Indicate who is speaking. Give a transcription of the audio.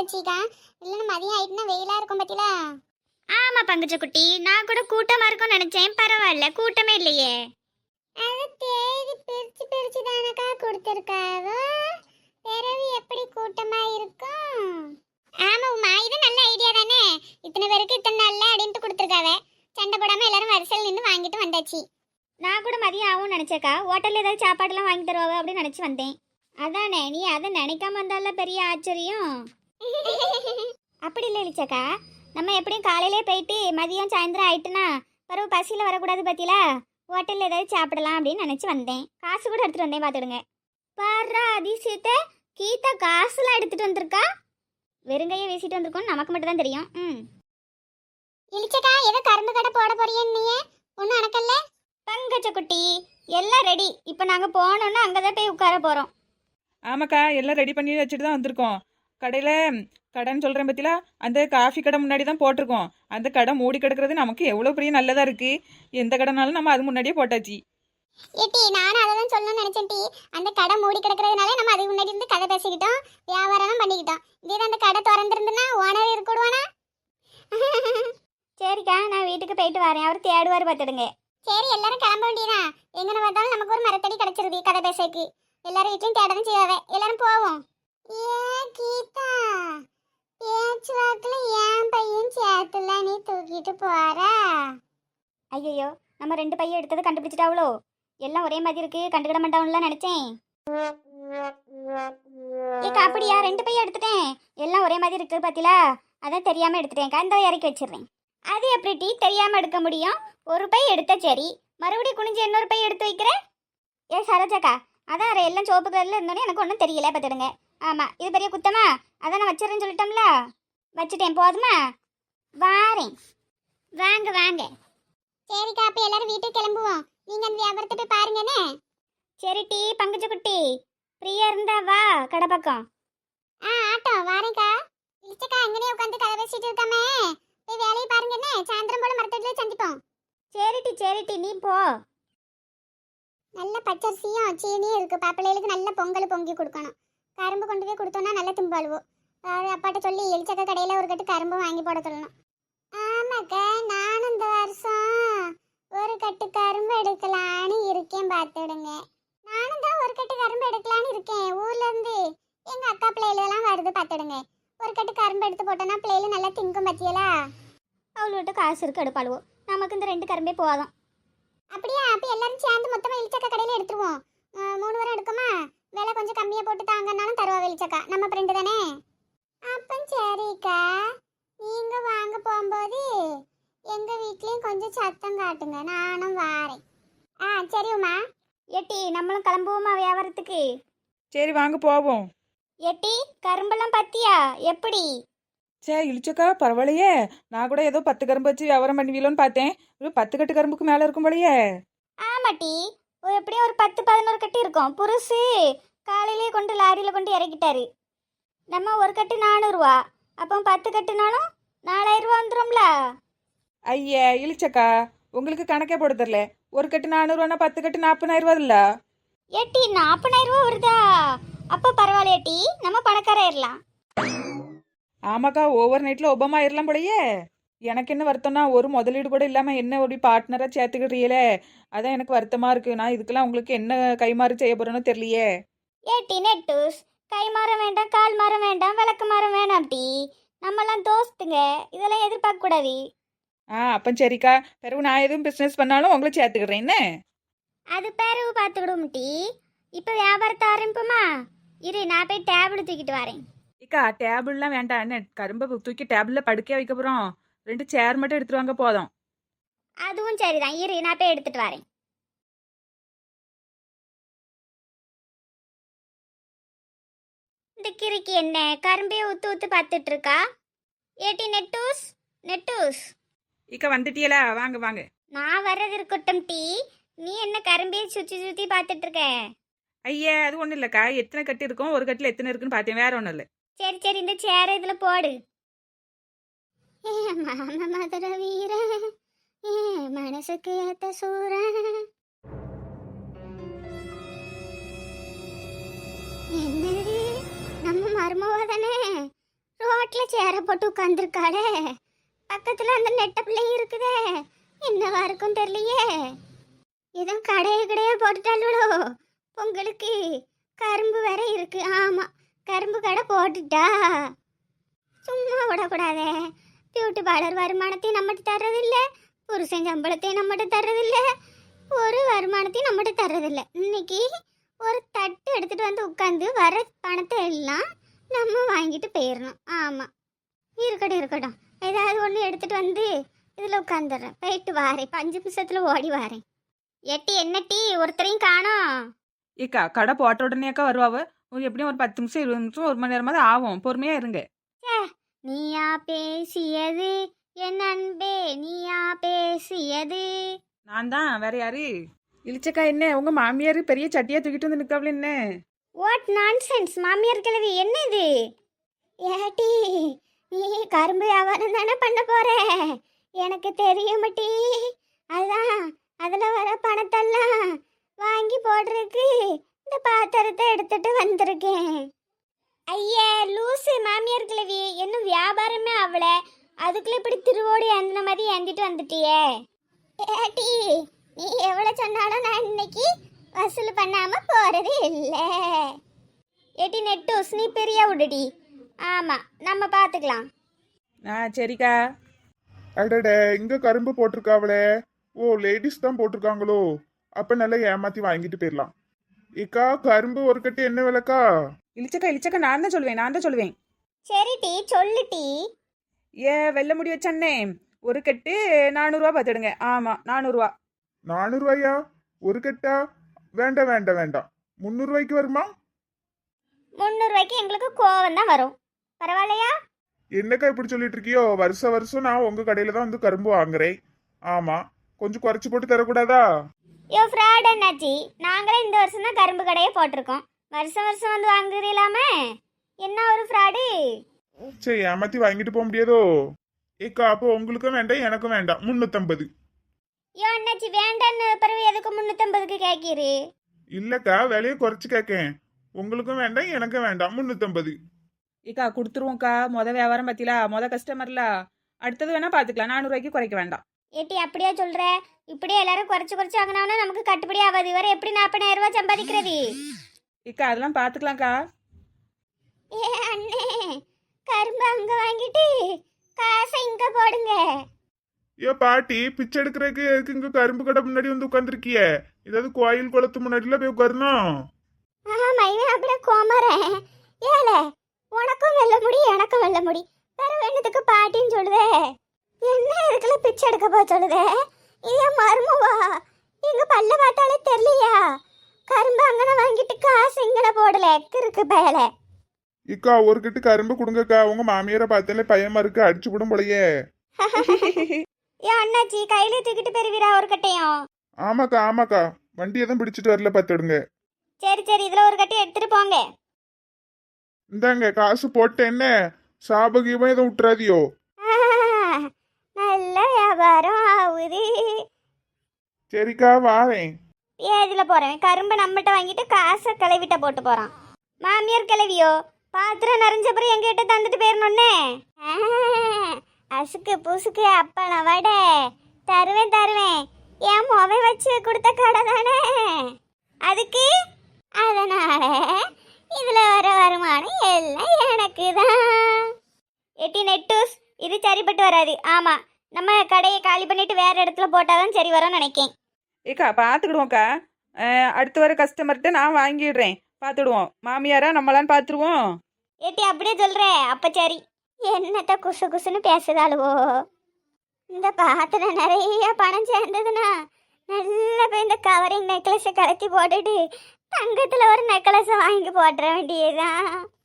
Speaker 1: வச்சிக்கா. இல்லைன்னா மதியம் ஆயிட்டுனா வெயிலா இருக்கும் பத்திலா.
Speaker 2: ஆமா பங்குச்சக்குட்டி, நான் கூட கூட்டமா இருக்கும்னு நினைச்சேன். பரவாயில்ல, கூட்டமே இல்லையே.
Speaker 1: அது தேதி பிரிச்சு பிரிச்சு தானக்கா கொடுத்துருக்காவோ, பிறகு எப்படி கூட்டமா இருக்கும்? ஆமா உமா, இது நல்ல ஐடியா தானே. இத்தனை பேருக்கு இத்தனை நாள்ல அப்படின்ட்டு கொடுத்துருக்காவ. சண்டை போடாம எல்லாரும் வரிசையில் நின்று வாங்கிட்டு வந்தாச்சு.
Speaker 2: நான் கூட மதியம் ஆகும்னு நினைச்சேக்கா. ஹோட்டல்ல ஏதாவது சாப்பாடுலாம் வாங்கி தருவாங்க அப்படின்னு நினைச்சு வந்தேன். அதானே, நீ அதை நினைக்காம வந்தால பெரிய ஆச்சரியம். அப்படி இல்லை இளிச்சக்கா, நம்ம எப்படியும் காலையிலே போயிட்டு மதியம் சாயந்தரம் ஆயிட்டுனா பிறகு பசியில் வரக்கூடாது பத்தியில ஹோட்டலில் ஏதாவது சாப்பிடலாம் அப்படின்னு நினச்சி வந்தேன். காசு கூட எடுத்துகிட்டு வந்தேன், பார்த்துடுங்க. பாரா அதிசயத்தை, கீதா காசுலாம் எடுத்துகிட்டு வந்திருக்கா. வெறுங்கையை வீசிட்டு வந்திருக்கோன்னு நமக்கு மட்டும் தான் தெரியும்.
Speaker 1: இளிச்சக்கா, ஏதோ கரும்பு கடை போட போறியன்னு ஒன்றும் அணக்கல்ல.
Speaker 2: பங்கச்சக்குட்டி, எல்லாம் ரெடி. இப்போ நாங்கள் போனோன்னா அங்கே தான் போய் உட்கார போகிறோம்.
Speaker 3: ஆமாக்கா, எல்லாம் ரெடி பண்ணி வச்சுட்டு தான் வந்திருக்கோம். கடையில் கடைன்னு சொல்கிறேன் பத்திலா, அந்த காஃபி கடை முன்னாடி தான் போட்டிருக்கோம். அந்த கடை மூடி கிடக்கிறது நமக்கு எவ்வளோ பெரிய நல்லதாக இருக்குது. எந்த கடைனாலும் நம்ம அது முன்னாடியே போட்டாச்சு.
Speaker 1: ஏட்டி, நானும் அதை தான் சொல்லணும்னு நினைச்சேன் டி. அந்த கடை மூடி கிடக்கிறதுனால நம்ம அதுக்கு முன்னாடி இருந்து கதை பேசிக்கிட்டோம், வியாபாரம் பண்ணிக்கிட்டோம். இதே அந்த கடை திறந்துருந்துன்னா ஓனர் இருக்கடுவானா?
Speaker 2: சரிக்கா, நான் வீட்டுக்கு போயிட்டு வரேன். அவர் தேடுவார், பார்த்துடுங்க.
Speaker 1: சரி, எல்லாரும் கிளம்ப வேண்டியதான். எங்கன்னு பார்த்தாலும் நமக்கு ஒரு மரத்தடி கிடைச்சிருது கதை பேசக்கு. எல்லாரும் வீட்லையும் தேடவும் செய்வாவே. எல்லாரும் போவோம். ஏ கீதா, பேச்சு வாக்குல ஏன் பையன் சேத்துல நீ தூக்கிட்டு போற?
Speaker 2: ஐயோ, நம்ம 2 பையன் எடுத்ததை கண்டுபிடிச்சிட்டாவளோ. எல்லாம் ஒரே மாதிரி இருக்கு, கண்டுக்கிட மாட்டாங்கலாம் நினைச்சேன். ஏக்கா, அப்படியா? 2 பையன் எடுத்துட்டேன். எல்லாம் ஒரே மாதிரி இருக்கு பாத்தீங்களா, அதான் தெரியாம எடுத்துட்டேன். இந்த இறக்கி வச்சிடுறேன். அது எப்படி டீ தெரியாம எடுக்க முடியும்? ஒரு பை எடுத்தா சரி, மறுபடியும் குனிஞ்சு இன்னொரு பை எடுத்து வைக்கிறேன். ஏ சரோஜாக்கா, அதான் எல்லாம் சோப்பு கலர்ல இருந்தோன்னே எனக்கு ஒன்றும் தெரியல, பார்த்துடுங்க. ஆமா, இது பெரிய குத்தமா? அதான் நான் வச்சிடறேன்னு சொல்லிட்டோம்ல, வச்சுட்டேன். போதுமா? வாரேன், வாங்க வாங்க.
Speaker 1: சரிக்கா, அப்ப எல்லாரும் வீட்டுக்கு கிளம்புவோம். நீங்க அந்த வியாபாரத்தை போய் பாருங்கண்ணே.
Speaker 2: சரி டீ பங்குச்சக்குட்டி, ஃப்ரீயா இருந்தா வா கடை பக்கம்.
Speaker 1: ஆட்டோ வாரேக்கா. இளிச்சக்கா, அங்கனே உட்காந்து கதை பேசிட்டு இருக்காம போய் வேலையை பாருங்கண்ணே. சாயந்தரம் போல மரத்தடியில சந்திப்போம்.
Speaker 2: சரி டி, நீ போ.
Speaker 1: நல்ல பச்சரிசியும் சீனியும் இருக்கு. பாப்பிள்ளைகளுக்கு நல்ல பொங்கல் பொங்கி கொடுக்கணும். கரும்பு கொண்டு போய் கொடுத்தோம்னா நல்ல திம்பாளுவோம். அப்பாட்ட சொல்லி எலிச்சக்க கடையில் ஒரு கட்டு கரும்பு வாங்கி போட சொல்லணும். ஆமாக்கா, நானும் இந்த வருஷம் ஒரு கட்டு கரும்பு எடுக்கலான்னு இருக்கேன், பார்த்துடுங்க. நானும் தான் ஒரு கட்டு கரும்பு எடுக்கலான்னு இருக்கேன். ஊர்ல இருந்து எங்க அக்கா பிள்ளைகளெல்லாம் வருது, பார்த்துடுங்க. ஒரு கட்டு கரும்பு எடுத்து போட்டோன்னா பிள்ளைகளும் நல்லா திங்கும் பத்தியலா.
Speaker 2: அவளோட்ட காசு இருக்கு, எடுப்பாளுவோம். நமக்கு இந்த 2 கரும்பே போதும்.
Speaker 1: அப்படியா? அப்போ எல்லாரும் சேர்ந்து மொத்தமாக இளிச்சக்கா கடையில் எடுத்துருவோம். 3 வாரம் எடுக்குமா? விலை கொஞ்சம் கம்மியாக போட்டு தாங்கன்னாலும் தருவா வெளிச்சக்கா. நம்ம ஃப்ரெண்டு தானே. அப்போ சரிக்கா, நீங்கள் வாங்க போகும்போது எங்கள் வீட்லேயும் கொஞ்சம் சத்தம் காட்டுங்க, நானும் வாரேன். சரி உமா.
Speaker 2: எட்டி, நம்மளும் கிளம்புவோமா வியாபாரத்துக்கு?
Speaker 3: சரி வாங்க போவோம்.
Speaker 2: எட்டி, கரும்பெல்லாம் பத்தியா எப்படி?
Speaker 3: இழிச்சக்கா, பரவாயில்லையே. நான் கூட ஏதோ 10 கரும்பு வச்சு வியாபாரம் பண்ணுவீங்களோன்னு பார்த்தேன். ஒரு 10 கட்டு கரும்புக்கு மேலே இருக்கும் போலயே.
Speaker 2: ஆமாட்டி, எப்படியும் ஒரு 10-11 கட்டு இருக்கும். புருசு காலையிலேயே கொண்டு லாரியில் கொண்டு இறக்கிட்டாரு. நம்ம ஒரு கட்டு 400 ரூபா, அப்போ 10 கட்டுனாலும் 4000 ரூபா வந்துடும்ல.
Speaker 3: ஐயா இழிச்சக்கா, உங்களுக்கு கணக்கே போட தெரில. ஒரு கட்டு 400 ரூபானா 10 கட்டு 40,000 ரூபா இல்ல?
Speaker 2: ஏட்டி, 40,000 ரூபா வருதா? அப்போ பரவாயில்லையட்டி, நம்ம பணக்காராயிரலாம்.
Speaker 3: ஆமாக்கா, ஓவர் நைட்டில் ஒபாமா ஆயிரலாம் போலயே. எனக்கு என்ன வருத்தம்னா, ஒரு முதலீடு கூட இல்லாமல் என்ன ஒரு பார்ட்னராக சேர்த்துக்கிட்டீங்களே, அதான் எனக்கு வருத்தமாக இருக்குது. நான் இதுக்கெல்லாம் உங்களுக்கு என்ன கைமாறு செய்ய போகிறேன்னு தெரியலையே.
Speaker 2: ஏட்டி நெட்டூஸ், கை மாறம் வேண்டாம், கால் மாறம் வேண்டாம், விளக்கு மாறம் வேணாம் டி. நம்மலாம் தோஸ்துங்க, இதெல்லாம் எதிர்பார்க்க கூடாது.
Speaker 3: அப்போ சரிக்கா, பிறகு நான் எதுவும் பிஸ்னஸ் பண்ணாலும் உங்களை சேர்த்துக்கிறேன். என்ன
Speaker 2: அது பிறகு பார்த்துக்கிடுவோம் டி. இப்போ வியாபாரத்தை ஆரம்பிப்போமா? இரு, நான் போய் டேபிள் தூக்கிட்டு வரேன்.
Speaker 3: இக்கா, டேபிள்லாம் வேண்டாம். என்ன கரும்பை தூக்கி டேபிளில் படுக்கையாக வைக்க போகிறோம். 2 சேர் மட்டும் எடுத்துட்டு வாங்க போதும்.
Speaker 2: அதுவும் சரிதான், இரு நான் போய் எடுத்துட்டு வரேன். இந்த கிறுக்கி என்ன கரும்பே ஊத்து ஊத்து பார்த்துட்டு இருக்கா? ஏட்டி நெட்டூஸ், நெட்டூஸ்.
Speaker 3: இக்கா வந்துட்டியலா? வாங்க வாங்க.
Speaker 2: நான் வர்றது இருக்கட்டும் டி, நீ என்ன கரும்பே சுற்றி சுற்றி பார்த்துட்டு இருக்க?
Speaker 3: ஐயா, அது ஒன்றும் இல்லைக்கா. எத்தனை கட்டு இருக்கும், ஒரு கட்டில் எத்தனை இருக்குன்னு பார்த்தேன், வேற ஒன்றும் இல்லை.
Speaker 2: சரி, இந்த சேர இதுல போடு. மதுர வீர, மனசுக்கு ஏத்த சூர. என்னது, நம்ம மருமவ தானே? ரோட்ல
Speaker 1: ரோட்ல சேர போட்டு உட்காந்துருக்காளே, பக்கத்துல அந்த நெட்ட பிள்ளையும் இருக்குதே, என்னவா இருக்கும் தெரியலையே. எதுவும் கடைய போட்டுட்டாளோ பொங்கலுக்கு. கரும்பு வேற இருக்கு. ஆமா, கரும்பு கடை போட்டுட்டா. சும்மா விடக்கூடாதே. பியூட்டி பார்லர் வருமானத்தையும் நம்மகிட்ட தர்றதில்ல, புருஷன் சம்பளத்தையும் நம்மகிட்ட தர்றதில்ல, ஒரு வருமானத்தையும் நம்மகிட்ட தர்றதில்ல. இன்னைக்கு ஒரு தட்டு எடுத்துட்டு வந்து உட்காந்து வர பணத்தை எல்லாம் நம்ம வாங்கிட்டு போயிடணும். ஆமாம், இருக்கட்டும். ஏதாவது ஒன்று எடுத்துட்டு வந்து இதில் உட்காந்துடுறேன். போயிட்டு வாரேன், 5 நிமிஷத்தில் ஓடி வாரேன். எட்டி என்ன டீ, ஒருத்தரையும் காணோம்.
Speaker 3: ஏக்கா கடை போட்ட உடனே அக்கா வருவாவ. எப்படியும் ஒரு 10 நிமிஷம் 20 நிமிஷம் 1 மணி நேரமாவது ஆகும். பொறுமையா இருங்க.
Speaker 1: நீயா பேசியது என் அன்பே, நீயா பேசியது.
Speaker 3: நான் தான், வேற யாரு? இழிச்சக்கா என்ன உங்க மாமியார் பெரிய சட்டியா தூக்கிட்டு வந்து நிக்கவல என்ன?
Speaker 1: வாட் நான்சென்ஸ் மாமியார் கிழவி, என்ன இது? ஏட்டி, நீ கரும்பு வியாபாரம் தானே பண்ண போற, எனக்கு தெரியும் டி. அதான் அதில் வர பணத்தெல்லாம் வாங்கி போடுறதுக்கு இந்த பாத்திரத்தை எடுத்துட்டு வந்திருக்கேன். ஐயா லூசு மாமியார் கிழவி, இன்னும் வியாபாரமே அவள, அதுக்குள்ள இப்படி திருவோடு ஏந்தின மாதிரி ஏந்திட்டு வந்துட்டியே. ஏட்டி, நீ எவ்வளோ சொன்னாலும் நான் இன்னைக்கு வசூல் பண்ணாம போறது இல்லை. ஏட்டி நெட்டூஸ், நீ பெரிய விடுடி. ஆமா, நம்ம பார்த்துக்கலாம்.
Speaker 3: சரிக்கா.
Speaker 4: அடட, இங்க கரும்பு போட்டிருக்காவளே. ஓ, லேடிஸ் தான் போட்டிருக்காங்களோ? அப்ப நல்லா ஏமாத்தி வாங்கிட்டு போயிடலாம். ஏக்கா, கரும்பு ஒரு கட்டு என்ன விலைக்கா?
Speaker 3: இழிச்சக்கா நான் தான் சொல்லுவேன்.
Speaker 1: சரி டீ, சொல்லு டீ.
Speaker 3: வெள்ளை முடி வச்சண்ணே, ஒரு கட்டு 400 பார்த்துடுங்க. ஆமா, 400.
Speaker 4: 400 ஒரு கட்டா? வேண்டாம் 300 வருமா?
Speaker 1: 300 எங்களுக்கு கோவம் தான் வரும். பரவாயில்லையா?
Speaker 4: என்னக்கா இப்படி சொல்லிட்டு இருக்கியோ? வருஷம் நான் உங்க கடையில தான் வந்து கரும்பு வாங்குறேன். ஆமா, கொஞ்சம் குறைச்சு போட்டு தரக்கூடாதா?
Speaker 1: யோ ஃப்ராட் என்னாச்சி, நாங்களே இந்த வருஷம் தான் கரும்பு கடையே போட்டிருக்கோம். வருஷம் வந்து வாங்குறீங்களாமே, என்ன ஒரு ஃப்ராடு.
Speaker 4: சரி, ஏமாத்தி வாங்கிட்டு போக முடியாதோ? ஏக்கா, அப்போ உங்களுக்கும் வேண்டாம் எனக்கும் வேண்டாம், 350.
Speaker 1: யோ அண்ணாச்சி, வேண்டான்னு பிறகு எதுக்கு 350க்கு கேட்கிறீ?
Speaker 4: இல்லக்கா, விலையை குறைச்சு கேட்கேன். உங்களுக்கும் வேண்டாம் எனக்கும் வேண்டாம், 350.
Speaker 3: ஏக்கா கொடுத்துருவோம்க்கா. வியாபாரம் பத்திலா, கஸ்டமர்ல. அடுத்தது வேணா பாத்துக்கலாம். 400 குறைக்க வேண்டாம்.
Speaker 1: ஏட்டி அப்படியே சொல்ற? இப்படியே எல்லாரும் குறைச்சு வாங்கினோம்னா நமக்கு கட்டுப்படி ஆகாது. வர எப்படி 40,000 ரூபாய் சம்பாதிக்கிறது?
Speaker 3: ஏக்கா அதெல்லாம் பாத்துக்கலாம்க்கா.
Speaker 1: ஏ அண்ணே, கரும்பு அங்க வாங்கிட்டு காசை இங்க போடுங்க.
Speaker 4: ஏ பாட்டி, பிச்சை எடுக்கிறதுக்கு எதுக்கு இங்க கரும்பு கடை முன்னாடி வந்து உட்காந்துருக்கிய? ஏதாவது கோயில் குளத்து முன்னாடில போய் உட்காரணும்.
Speaker 1: ஆமா, இவன் அப்படியே கோமரன். ஏல, உனக்கும் வெள்ள முடி எனக்கும் வெள்ள முடி, வேற வேணுத்துக்கு பாட்டின்னு சொல்லுதே. என்ன இதுக்குள்ள பிச்சை எடுக்க போ சொல்லுதே? இதே மருமவா? எங்க பல்ல பார்த்தாலே தெரியலையா? கரும்பு அங்கன வாங்கிட்டு காசு இங்கன போடல, இருக்கு பயல.
Speaker 4: இக்கா, ஒரு கட்டு கரும்பு கொடுங்கக்கா. உங்க மாமியாரை பார்த்தாலே பயமா இருக்கு, அடிச்சு விடும் போலயே.
Speaker 1: ஏ அண்ணாச்சி, கையில தூக்கிட்டு பெறுவீரா ஒரு கட்டையும்?
Speaker 4: ஆமாக்கா, வண்டி எதுவும் பிடிச்சிட்டு வரல, பார்த்துடுங்க.
Speaker 1: சரி, இதுல ஒரு கட்டை எடுத்துட்டு போங்க.
Speaker 4: இந்தாங்க காசு போட்டேன். என்ன சாபகீபம் எதுவும் விட்டுறாதியோ?
Speaker 1: நல்ல வியாபாரம் ஆகுது.
Speaker 4: சரிக்கா, வாரேன்.
Speaker 1: ஏதுல போறேன்? கரும்பு நம்மகிட்ட வாங்கிட்டு காசை கிளவிட்ட போட்டு போறான். மாமியார் கிளவியோ, பாத்திரம் நிறைஞ்சப்பறம் எங்கிட்ட தந்துட்டு போயிடணுன்னே. அசுக்கு புசுக்கு அப்பளம் வடை தருவேன். என் முவை வச்சு கொடுத்த கடை தானே அதுக்கு. அதனால இதுல வர வருமானம் எல்லாம் எனக்கு தான். எட்டி நெட்டூஸ், இது சரிப்பட்டு வராது. ஆமா, நம்ம கடையை காலி பண்ணிட்டு வேற இடத்துல போட்டாதான் சரி வரும்னு நினைக்கேன்.
Speaker 3: ஏக்கா பாத்துக்கிடுவோம்க்கா. அடுத்து வர கஸ்டமர்கிட்ட நான் வாங்கிடுறேன். பாத்துடுவோம். மாமியாரா நம்மளான்னு பாத்துருவோம்.
Speaker 1: ஏட்டி அப்படியே சொல்ற? அப்ப சரி. என்னத்த குசுன்னு பேசுதாளுவோ? இந்த பாத்திரம் நிறைய பணம் சேர்ந்ததுன்னா நல்ல போய் இந்த கவரிங் நெக்லஸை கலத்தி போட்டுட்டு தங்கத்துல ஒரு நெக்லஸை வாங்கி போட்டுற வேண்டியதுதான்.